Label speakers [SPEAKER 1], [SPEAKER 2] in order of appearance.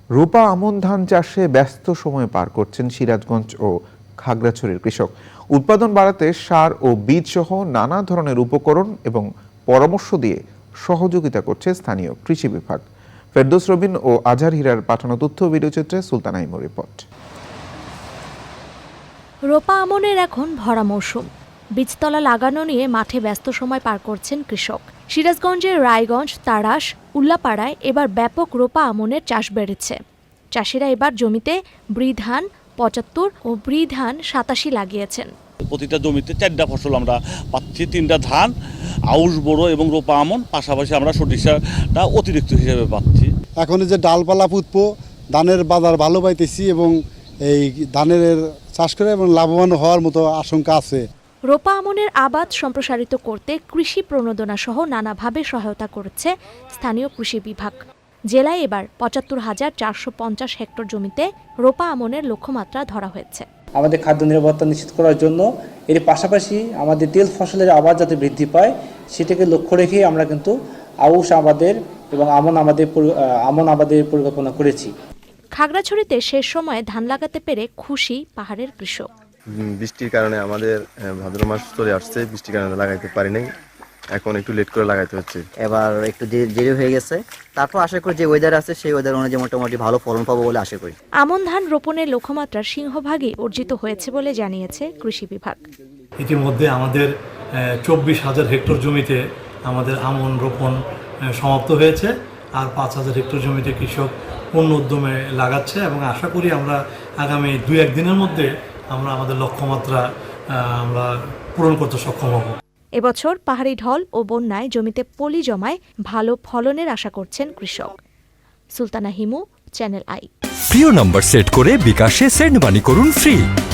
[SPEAKER 1] রূপা আমন ধান চাষে ব্যস্ত সময় পার করছেন সিরাজগঞ্জ ও খাগড়াছড়ির কৃষক। উৎপাদন বাড়াতে সার ও বীজ সহ নানা ধরনের উপকরণ এবং পরামর্শ দিয়ে সহযোগিতা করছে স্থানীয় কৃষি বিভাগ। ফেরদৌস রবিন ও আজহার হীরার পাঠানো তথ্য ভিডিওচিত্রে সুলতানা ইমুর রিপোর্ট।
[SPEAKER 2] রোপা আমনের এখন ভরা মৌসুম। বীজতলা লাগানো নিয়ে মাঠে ব্যস্ত সময় পার করছেন কৃষক। সিরাজগঞ্জের রায়গঞ্জ, তাড়াশ, উল্লাপাড়ায় এবার ব্যাপক রোপা আমনের চাষ বেড়েছে। চাষিরা এবার জমিতে ব্রি ধান ৭৫ ও ব্রি ধান ৮৭ লাগিয়েছেন।
[SPEAKER 3] প্রতিটা জমিতে ৪টা ফসল আমরা পাচ্ছি, 3টা ধান, আউশ বোরো এবং রোপা আমন, পাশাপাশি আমরা সরিষাটা অতিরিক্ত হিসেবে পাচ্ছি।
[SPEAKER 4] এখন যে ডালপালা পুতবো, ধানের বাজার ভালো পাইতেছি এবং এই ধানের চাষ করে এবং লাভবান হওয়ার মতো আশঙ্কা আছে।
[SPEAKER 2] রোপা আমনের আবাদ সম্প্রসারিত করতে কৃষি প্রণোদনা সহ নানাভাবে সহায়তা করছে স্থানীয় কৃষি বিভাগ। জেলায় এবার ৭৫,৪৫০ হেক্টর জমিতে রোপা আমনের লক্ষ্যমাত্রা ধরা হয়েছে।
[SPEAKER 5] আমাদের খাদ্য নিরাপত্তা নিশ্চিত করার জন্য এর পাশাপাশি আমাদের তেল ফসলের আবাদ যাতে বৃদ্ধি পায় সেটাকে লক্ষ্য রেখে আমরা কিন্তু আউশ আবাদের এবং আমন আবাদের পরিকল্পনা করেছি।
[SPEAKER 2] খাগড়াছড়িতে শেষ সময়ে ধান লাগাতে পেরে খুশি পাহাড়ের কৃষক।
[SPEAKER 6] বৃষ্টির কারণে আমাদের ভাদ্র মাস চলে আসছে, বৃষ্টির কারণে লাগাইতে পারি নাই, এখন একটু লেট করে লাগাইতে হচ্ছে।
[SPEAKER 7] এবার একটু দেরি হয়ে গেছে, তারপর আশা করি যে ওয়েদার আছে সেই ওয়েদার অনুযায়ী মোটামুটি ভালো ফলন পাবো বলে আশা করি।
[SPEAKER 2] আমন ধান রোপণের লক্ষ্যমাত্রার সিংহভাগই অর্জিত হয়েছে বলে জানিয়েছে কৃষি বিভাগ।
[SPEAKER 8] ইতিমধ্যে আমাদের ২৪,০০০ হেক্টর জমিতে আমাদের আমন রোপণ সমাপ্ত হয়েছে, আর ৫,০০০ হেক্টর জমিতে কৃষক পূর্ণ উদ্যমে লাগাচ্ছে এবং আশা করি আমরা আগামী ২-১ দিনের মধ্যে আমরা আমাদের লক্ষ্যমাত্রা আমরা পূরণ করতে সক্ষম হব।
[SPEAKER 2] এবছর পাহাড়ি ঢল ও বন্যায় জমিতে পলি জমায় ভালো ফলনের আশা করছেন কৃষক। Sultana Himu, channel I.
[SPEAKER 9] প্রিয় নম্বর সেট করে বিকাশে সেন্ড মানি করুন ফ্রি।